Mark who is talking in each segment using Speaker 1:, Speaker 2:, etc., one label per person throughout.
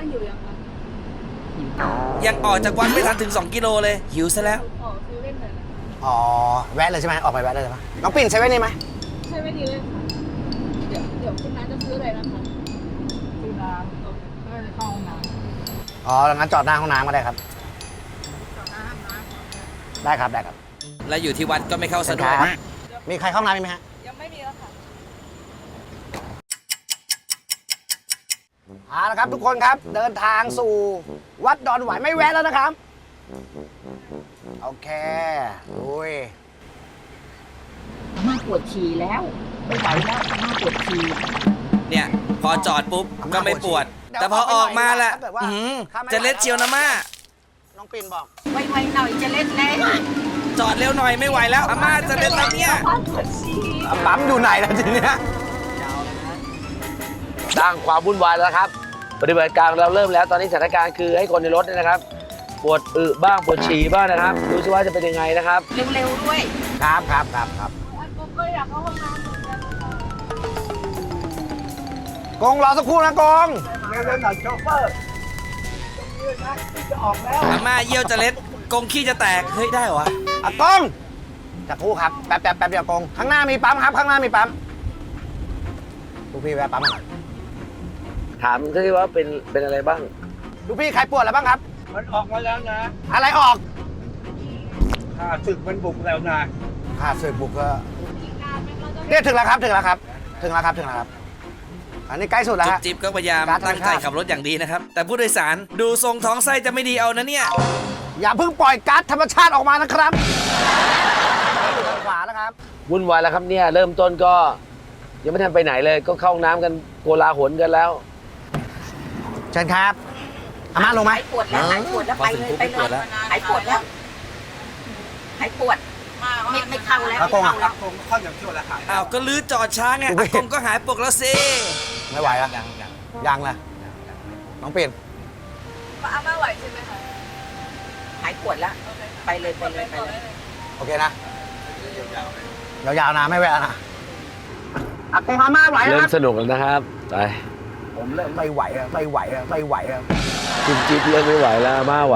Speaker 1: หิวยังคะ
Speaker 2: ยังออกจากวัดไม่ทันถึง2 กิโลเลยหิวซะแล้ว
Speaker 1: ขอซื้อเล่นหน่อยนะ
Speaker 3: อ๋อแวะเลยใช่ไหมออกไปแวะเลยใช่ไหมน้องปิ่นใช้แว่นนี่ไหม
Speaker 1: ใช่ไม่ดีเลยค่ะเดี๋ยวคุณน้าจะซื้ออะไรนะคะซื้อน้ำก็จะเข้าห้องน้ำ
Speaker 3: อ๋องั้นจอดหน้าห้องน้ำก็ได้ครับ
Speaker 1: จอดหน้าห้องน้ำ
Speaker 3: ได้ครับได้ครับ
Speaker 2: และอยู่ที่วัดก็ไม่เข้าสะดวก
Speaker 3: ครับมีใครเข้าห้องน้ำไหมฮะ
Speaker 1: ยังไม่มีแล้วค่ะ
Speaker 3: เอาละครับทุกคนครับเดินทางสู่วัดดอนหวายไม่แวะแล้วนะครับโอเคลุย
Speaker 4: อาม่าปวดฉี่แล้วไม่ไหวแล้วอาม่าปวดฉี่
Speaker 2: เนี่ยพอจอดปุ๊บก็ไม่ปวด แต่พอออกมาแหละจะเล็ดเชียวนะม่า
Speaker 3: น้องปิ่นบอก
Speaker 4: ไวๆหน่อยจะเล่นแล้ว
Speaker 2: จอดเร็วหน่อยไม่ไหวแล้วอาม่าจะเล็ดแล้วเนี่ย
Speaker 4: อาม่าปวดฉี่
Speaker 3: ปั๊มอยู่ไหนแล้วทีเนี้ย
Speaker 5: สร้างความวุ่นวายแล้วครับปฏิบัติการเราเริ่มแล้วตอนนี้สถานการณ์คือให้คนในรถเนี่ยนะครับ ปวดอึบ้างปวดฉี่บ้างนะครับดูสิว่าจะเป็นยังไงนะครับ
Speaker 4: เร็วๆด้วย
Speaker 3: ครับครับ
Speaker 1: ผมก็อยากเข้าห้องน้ำเหมือนกันค่ะ
Speaker 3: กงรอสักครู่นะกง
Speaker 2: อาม่าเยี่ยวจะเล็ดกงขี้จะแตกเฮ้ยได้เหรอวะ
Speaker 3: อ่ะกงสักครู่ครับแป๊บเดียวกงข้างหน้ามีปั๊มครับข้างหน้ามีปั๊มดูพี่แวะปั๊มหน่อย
Speaker 5: ถามที่ว่าเป็นอะไรบ้าง
Speaker 3: ดูพี่ใครปวดอะไรบ้างครับ
Speaker 6: มันออกมาแล้วนะ
Speaker 3: อะไรออก
Speaker 6: ข้าศึกมันบุกแล้วนะ
Speaker 3: ค่าเสพบุกก็เนี่ยถึงแล้วครับอันนี้ใกล้สุดแล้ว
Speaker 2: จุ๊
Speaker 3: ฮะ
Speaker 2: บจิ๊บก็พยายาม
Speaker 3: การธรรมชาติ
Speaker 2: ตั้งใจขับรถอย่างดีนะครับ แต่ผู้โดยสารดูทรงท้องไส้จะไม่ดีเอานะเนี่ย
Speaker 3: อย่าเพิ่งปล่อยก๊าซธรรมชาติออกมานะครับอยู่ทางขวานะครับ
Speaker 5: วุ่นวายแล้วครับเนี่ยเริ่มต้นก็ยังไม่ทันไปไหนเลยก็เข้าห้องน้ำกันโกลาหลกันแล้ว
Speaker 3: เชิญครับอาม่าลงไหม
Speaker 4: หายปวดแล้วหายปวดแล้วไปเลยไปเลยหายปวดแล้วหายปวดไม่เข้าแล้วไม่เข้าแล้ว
Speaker 6: ผมเข้าอย่างชั่วแล้วค่ะ
Speaker 2: อ้าวก็ลื้อจอดช้าไงอากงก็หายปกแล้วสิ
Speaker 3: ไม่ไหวแล้วยังเลยน้องเปลี่ยน
Speaker 1: อาม่าไหวใช่ไหมคะ
Speaker 4: หายปวดแล้วไปเลยไปเลยไปเลย
Speaker 3: โอเคนะยาวๆนะไม่แวะนะอากงอาม่าไหวแล้ว
Speaker 5: เริ่
Speaker 3: ค
Speaker 5: ม
Speaker 3: รับ
Speaker 5: สนุกแล้วนะครับไป
Speaker 3: ผมเริ่มไม่ไหวแล้วไม่ไหวแล้ว
Speaker 5: จิ๊บจิ๊บเริ่มไม่ไหวแล้วอาม่าไหว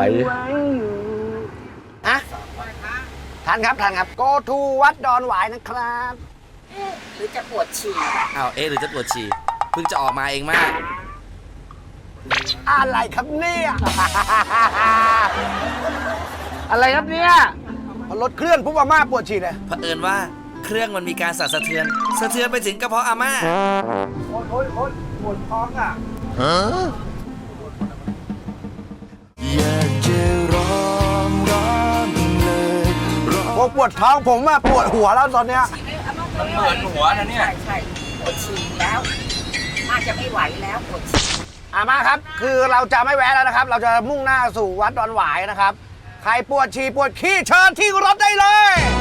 Speaker 3: อะทันครับ go to วัดดอนหวายนะครับ
Speaker 4: หรือจะปวดฉี่
Speaker 2: อ้าวหรือจะปวดฉี่เพิ่งจะออกมาเองมาก
Speaker 3: อะไรครับเนี่ย
Speaker 5: อะไรครับเนี่ย
Speaker 3: พอรถเคลื่อนปุ๊บอาม่าปวดฉี่เลย
Speaker 2: เผอิญว่าเครื่องมันมีการสั่นสะเทือนไปถึงกระเพาะอาม่า
Speaker 6: โอ๊ยปวดท้องอ่ะ
Speaker 3: ผมปวดท้องผมอะปวดหัวแล้วตอนเนี้ย
Speaker 6: มันเหมือนหัวนะเนี่ย
Speaker 4: ใช่ปวดฉี่แล้วน่าจะไม่ไหวแล้วปวดฉี่
Speaker 3: อาม่าครับ คือเราจะไม่แวะแล้วนะครับ เราจะมุ่งหน้าสู่วัดดอนหวายนะครับ ใครปวดฉี่ปวดขี้เชิญที่รถได้เลย